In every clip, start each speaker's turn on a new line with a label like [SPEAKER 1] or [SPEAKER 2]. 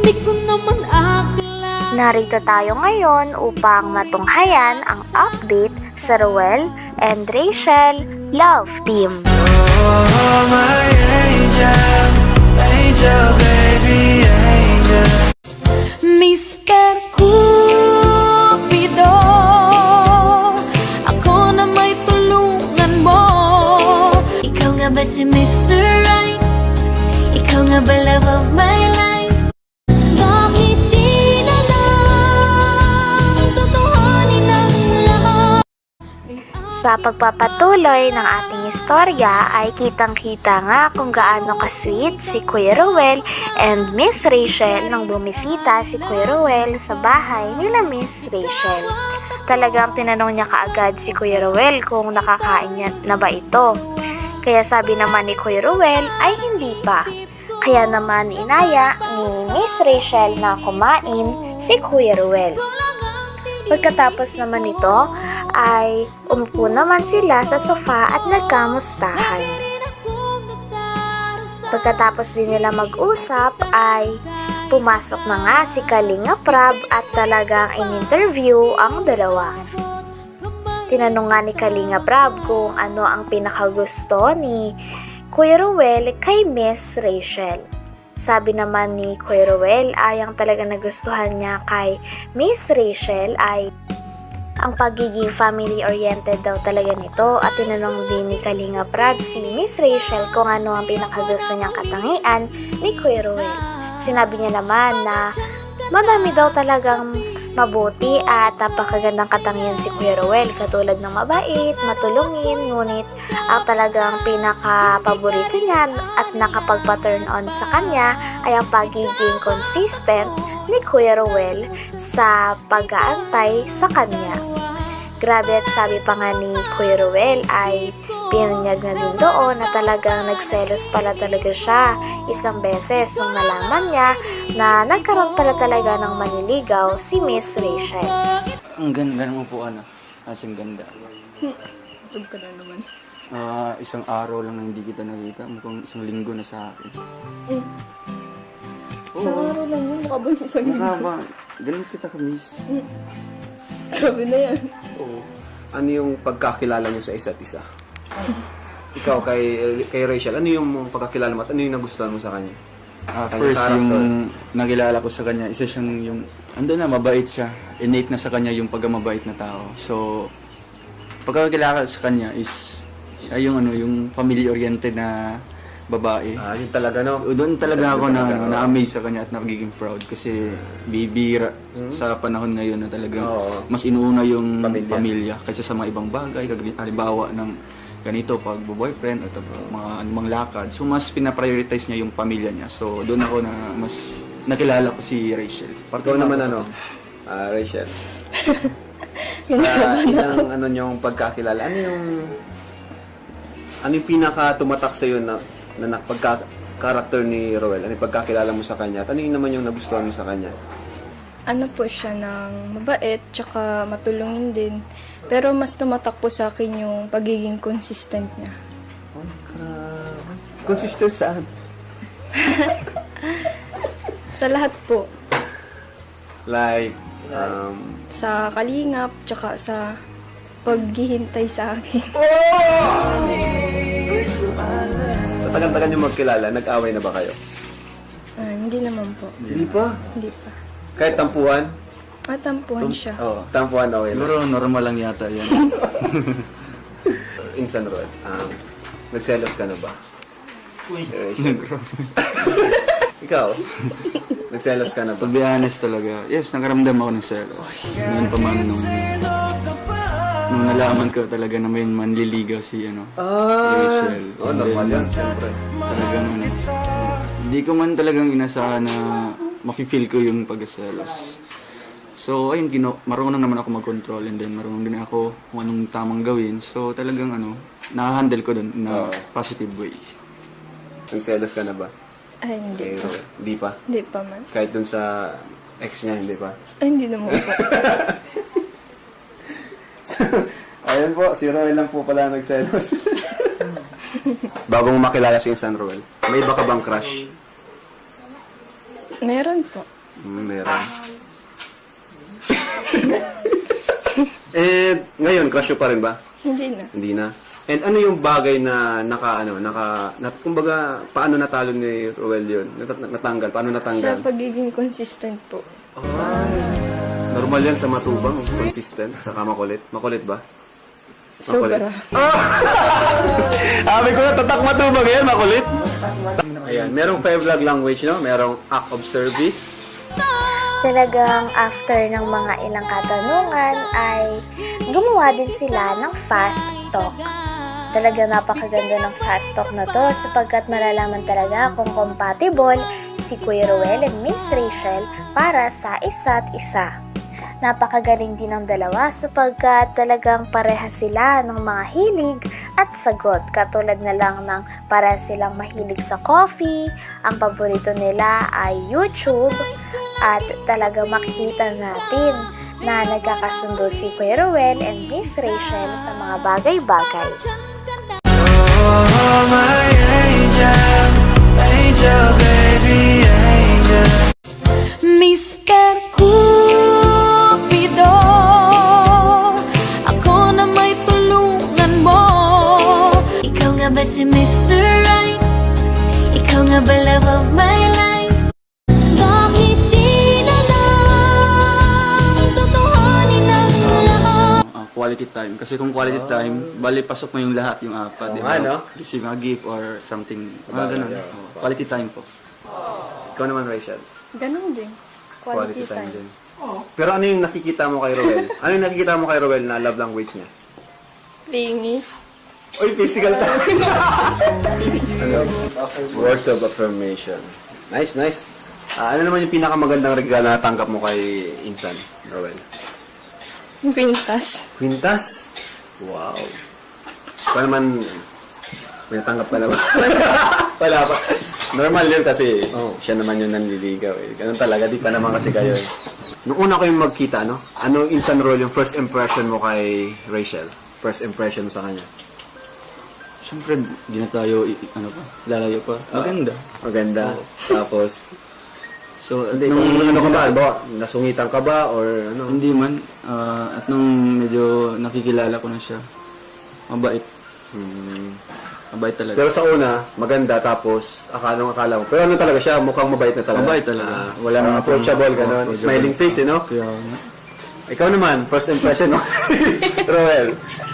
[SPEAKER 1] Di ko naman akala.
[SPEAKER 2] Narito tayo ngayon upang matunghayan ang update sa Ruel and Rachel Love Team.
[SPEAKER 3] Oh, my angel, angel, baby, angel.
[SPEAKER 1] Mr. Cupido, ako na may tulungan mo. Ikaw nga ba si Mr. Right? Ikaw nga ba love of my life? Bakit di na lang tutuhanin ang lahat?
[SPEAKER 2] Sa pagpapatuloy ng ating istorya ay kitang-kita nga kung gaano ka-sweet si Kuya Ruel and Miss Rachel nang bumisita si Kuya Ruel sa bahay nila Miss Rachel. Talagang tinanong niya kaagad si Kuya Ruel kung nakakain niya na ba ito. Kaya sabi naman ni Kuya Ruel ay hindi pa. Kaya naman inaya ni Miss Rachel na kumain si Kuya Ruel. Pagkatapos naman nito ay umupo naman sila sa sofa at nagkamustahan. Pagkatapos din nila mag-usap ay pumasok na nga si Kalinga Prab at talagang in-interview ang dalawa. Tinanong nga ni Kalinga Prab kung ano ang pinakagusto ni Kuya Ruel kay Miss Rachel. Sabi naman ni Kuya Ruel ay ang talagang nagustuhan niya kay Miss Rachel ay ang pagiging family-oriented daw talaga nito at tinanong din ni Kalinga Prab si Miss Rachel kung ano ang pinakagusto niyang katangian ni Kuya Ruel. Sinabi niya naman na madami daw talagang mabuti at napakagandang katangian si Kuya Ruel katulad ng mabait, matulungin, ngunit ang talagang pinaka-paborito niya at nakapagpa-turn on sa kanya ay ang pagiging consistent ni Kuya Ruel sa pag-aantay sa kanya. Grabe at sabi pa nga ni Kuya Ruel ay pinunyag na din doon na talagang nagselos pala talaga siya isang beses nung nalaman niya na nagkaroon pala talaga ng maniligaw si Miss Rachel.
[SPEAKER 4] Ang ganda naman po, ano? Asing ganda.
[SPEAKER 5] Tug ka na naman.
[SPEAKER 4] Isang araw lang na hindi kita nakita. Mukhang isang linggo na sa akin.
[SPEAKER 5] Isang araw lang yun. Mukha ba yung isang linggo?
[SPEAKER 4] Mukha ba? Ganun kita ka-miss.
[SPEAKER 5] Grabe na yan.
[SPEAKER 6] Oo. Ano yung pagkakilala nyo sa isa't isa? Ikaw kay Rachel, ano yung pagkakilala mo at ano yung nagustuhan mo sa kanya?
[SPEAKER 4] First, yung nakilala ko sa kanya, isa siyang yung, ando na, mabait siya. Innate na sa kanya yung pagkamabait na tao. So, pagkakilala ko sa kanya is, siya yung, ano, yung family-oriented na babae.
[SPEAKER 6] Yun talaga, no?
[SPEAKER 4] Doon talaga ako na-amaze sa kanya at nagiging proud kasi bibira sa panahon ngayon na talagang mas inuuna yung pamilya kaysa sa mga ibang bagay, halimbawa ng ganito pag boyfriend at mga anumang lakad. So mas pinaprioritize niya yung pamilya niya. So doon ako na mas nakilala ko si Rachel.
[SPEAKER 6] Ikaw naman ano, Rachel? Sa isang ano niyong pagkakilala, ano yung pinaka tumatak sa iyo na pagka-character ni Ruel? Ano yung pagkakilala mo sa kanya? At ano yung naman yung nagustuhan mo sa kanya?
[SPEAKER 5] Ano po siya ng mabait, tsaka matulungin din. Pero mas tumatak po sa akin yung pagiging consistent niya.
[SPEAKER 6] Consistent saan?
[SPEAKER 5] Sa lahat po.
[SPEAKER 6] Like,
[SPEAKER 5] Sa kalingap, tsaka sa paghihintay sa akin.
[SPEAKER 6] sa tagal-tagal niyo magkilala, nag-away na ba kayo?
[SPEAKER 5] Hindi naman po.
[SPEAKER 6] Hindi pa.
[SPEAKER 5] Hindi pa.
[SPEAKER 6] Kahit tampuhan?
[SPEAKER 5] Matampuhan siya.
[SPEAKER 6] Oo, tampuhan okay lang.
[SPEAKER 4] Siguro normal lang yata yan.
[SPEAKER 6] Insan Ruel, nagselos ka na ba? Uy. Ikaw, nagselos ka na ba?
[SPEAKER 4] To be honest talaga, yes, nakaramdam ako ng selos. Noon pa man nung nalaman ko talaga na may manliligaw si Rachel.
[SPEAKER 6] Normal yan, syempre.
[SPEAKER 4] Talagang hindi ko man talagang inasahan na mafe-feel ko yung pagkaselos. So, ayun, marunong naman ako mag-control and then marunong din ako kung anong tamang gawin. So, talagang nakahandle ko dun na positive way.
[SPEAKER 6] Nagselos ka na ba?
[SPEAKER 5] Ay, hindi pa.
[SPEAKER 6] Hindi pa?
[SPEAKER 5] Hindi pa man.
[SPEAKER 6] Kahit dun sa ex niya, hindi pa?
[SPEAKER 5] Ay, hindi naman po.
[SPEAKER 6] Ayun po, si Roel lang po pala nagselos. Bago mo makilala si Insan Roel, may iba ka bang crush?
[SPEAKER 5] Meron po.
[SPEAKER 6] Meron. And ngayon, crush mo pa rin ba?
[SPEAKER 5] Hindi na.
[SPEAKER 6] Hindi na. And ano yung bagay na kumbaga, paano natalo ni Roel yun? Natanggal, paano
[SPEAKER 5] Sa
[SPEAKER 6] natanggal?
[SPEAKER 5] pagiging consistent po.
[SPEAKER 6] Normal yan sa matubang, consistent, saka makulit. Makulit ba?
[SPEAKER 5] Sobra.
[SPEAKER 6] Sabi ko na, tatak matubang yan, makulit. Ayan, merong 5 love language, no? Merong act of service.
[SPEAKER 2] Talagang after ng mga ilang katanungan ay gumawa din sila ng fast talk. Talaga napakaganda ng fast talk na to sapagkat malalaman talaga kung compatible si Kuya Roel and Miss Rachel para sa isa't isa. Napakagaling din ng dalawa sapagkat talagang pareha sila ng mga hilig at sagot. Katulad na lang ng para silang mahilig sa coffee, ang paborito nila ay YouTube, at talaga makikita natin na nagkakasundo si Kuya Roel and Miss Rachel sa mga bagay-bagay.
[SPEAKER 3] Oh, my angel, angel, baby, angel.
[SPEAKER 1] Mr. Cupido, ako na may tulungan mo. Ikaw nga ba si Mr. Right? Ikaw nga ba love of my life? Bakit di na lang tutuhanin ang lahat?
[SPEAKER 4] Quality time. Kasi kung quality time, bali pasok mo yung lahat, yung apat.
[SPEAKER 6] Oo nga, no?
[SPEAKER 4] Receive a gift or something. Ganun. Quality time po.
[SPEAKER 6] Ikaw naman, Rachel.
[SPEAKER 5] Ganun din. Quality time.
[SPEAKER 6] din. Pero ano yung nakikita mo kay Roel? Ano yung nakikita mo kay Roel na love language niya?
[SPEAKER 5] Lingi.
[SPEAKER 6] Oy, physical time! Words of affirmation. Nice, nice. Ano naman yung pinakamagandang regalo na natanggap mo kay Insan, Roel?
[SPEAKER 5] Quintas.
[SPEAKER 6] Quintas? Wow. Ikaw naman, may natanggap ka na ba? Wala pa. Normal yun kasi siya naman yung nanliligaw eh. Ganun talaga, di pa naman kasi kayo eh. Nung una kayong magkita, no? Ano Insan Roel yung first impression mo kay Rachel? First impression mo sa kanya?
[SPEAKER 4] Siyempre, di na tayo, lalayo pa. Maganda.
[SPEAKER 6] Maganda. Tapos,
[SPEAKER 4] So, at
[SPEAKER 6] nung
[SPEAKER 4] nung,
[SPEAKER 6] ano ka ba? Ba? Nasungitan ka ba? Or ano?
[SPEAKER 4] hindi man, at nung medyo nakikilala ko na siya, mabait. Mabait talaga.
[SPEAKER 6] Pero sa una, maganda. Tapos, akala mo. Pero ano talaga siya? Mukhang mabait na talaga.
[SPEAKER 4] Mabait talaga.
[SPEAKER 6] Wala nang approachable, gano'n. Smiling face, eh, no?
[SPEAKER 4] Kaya,
[SPEAKER 6] Ikaw naman, first impression mo. Roel.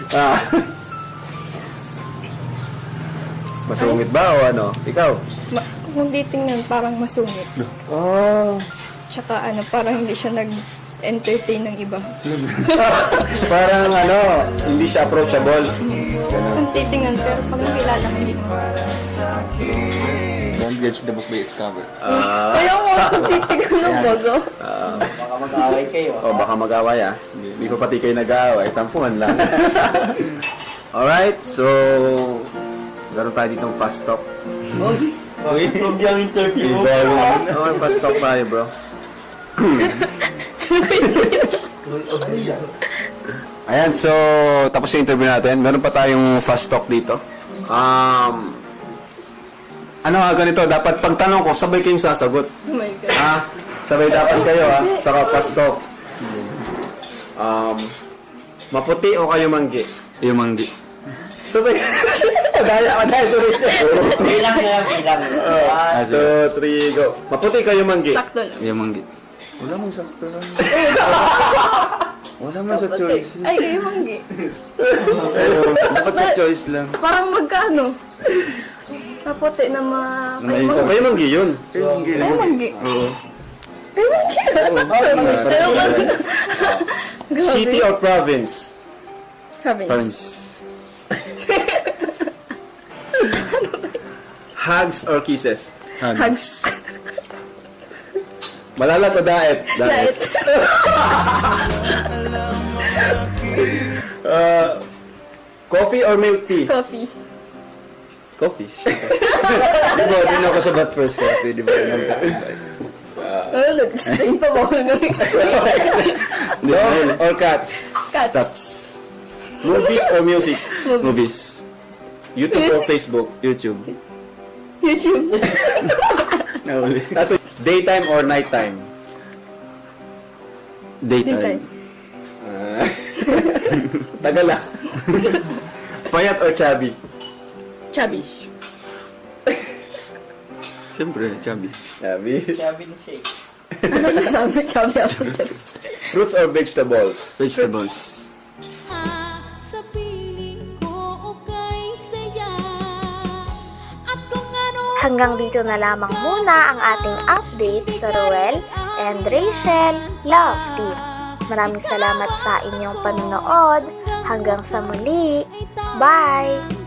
[SPEAKER 6] Masungit ba o ano? Ikaw?
[SPEAKER 5] Kung titingnan, parang masungit.
[SPEAKER 6] Oh.
[SPEAKER 5] Tsaka parang hindi siya nag-entertain ng iba.
[SPEAKER 6] Parang hindi siya approachable.
[SPEAKER 5] Kung titingnan, pero pag nakilala mo, hindi naman.
[SPEAKER 4] don't judge the book by its cover.
[SPEAKER 5] Kaya mo, kung titingnan ng bago.
[SPEAKER 6] Baka mag-away kayo. Baka mag-away Hindi pa pati kayo nag-away. Tampuhan lang. Alright, so meron tayo ditong fast talk.
[SPEAKER 4] Okay, from yung interview.
[SPEAKER 6] Fast talk tayo, bro. Ayan, so tapos yung interview natin. Meron pa tayong fast talk dito. Ganito, dapat pagtanong ko, sabay kayong sasagot.
[SPEAKER 5] Oh my God.
[SPEAKER 6] Sabay dapat kayo, saka fast talk. Maputi o kayo manggi?
[SPEAKER 4] Yung manggi.
[SPEAKER 6] Sabay. Madaya, sorry.
[SPEAKER 7] Bilang.
[SPEAKER 6] 1, 2, 3, go. Maputi kayo manggi?
[SPEAKER 5] Sakto lang.
[SPEAKER 4] Yung manggi. Wala man sakto lang. Wala man sa choice.
[SPEAKER 5] Ay, kayo manggi.
[SPEAKER 4] Dapat sa choice lang.
[SPEAKER 5] Parang magkano? Kapote na
[SPEAKER 6] Kayo manggi yun.
[SPEAKER 5] Kayo manggi.
[SPEAKER 4] Oo.
[SPEAKER 5] Kayo manggi. Sayo ka.
[SPEAKER 6] City or province?
[SPEAKER 5] Province.
[SPEAKER 4] Parents.
[SPEAKER 6] Hugs or kisses?
[SPEAKER 5] Hugs.
[SPEAKER 6] Malalat o daet?
[SPEAKER 5] Diet.
[SPEAKER 6] Coffee or milk tea?
[SPEAKER 5] Coffee.
[SPEAKER 4] Coffee. Di ba, din ako sa bat first coffee, di ba?
[SPEAKER 5] Nag-explain pa ba ako nag-explain?
[SPEAKER 6] Dogs or cats?
[SPEAKER 5] Cats.
[SPEAKER 4] Tats.
[SPEAKER 6] Movies or music?
[SPEAKER 4] Movies.
[SPEAKER 6] YouTube or Facebook?
[SPEAKER 4] YouTube.
[SPEAKER 5] YouTube.
[SPEAKER 4] Nahuli.
[SPEAKER 6] Tapos, daytime or nighttime?
[SPEAKER 4] Daytime.
[SPEAKER 6] Tagal ah. Payat or chubby?
[SPEAKER 5] Chubby.
[SPEAKER 4] Siyempre, chubby.
[SPEAKER 6] Chubby.
[SPEAKER 5] Ano sasabi? Chubby ako.
[SPEAKER 6] Fruits or vegetables?
[SPEAKER 4] Vegetables.
[SPEAKER 1] Sa piling ko okay saya. At kung ano
[SPEAKER 2] Hanggang dito na lamang muna ang ating update sa Ruel and Rachel Love Team. Maraming salamat sa inyong panonood. Hanggang sa muli. Bye!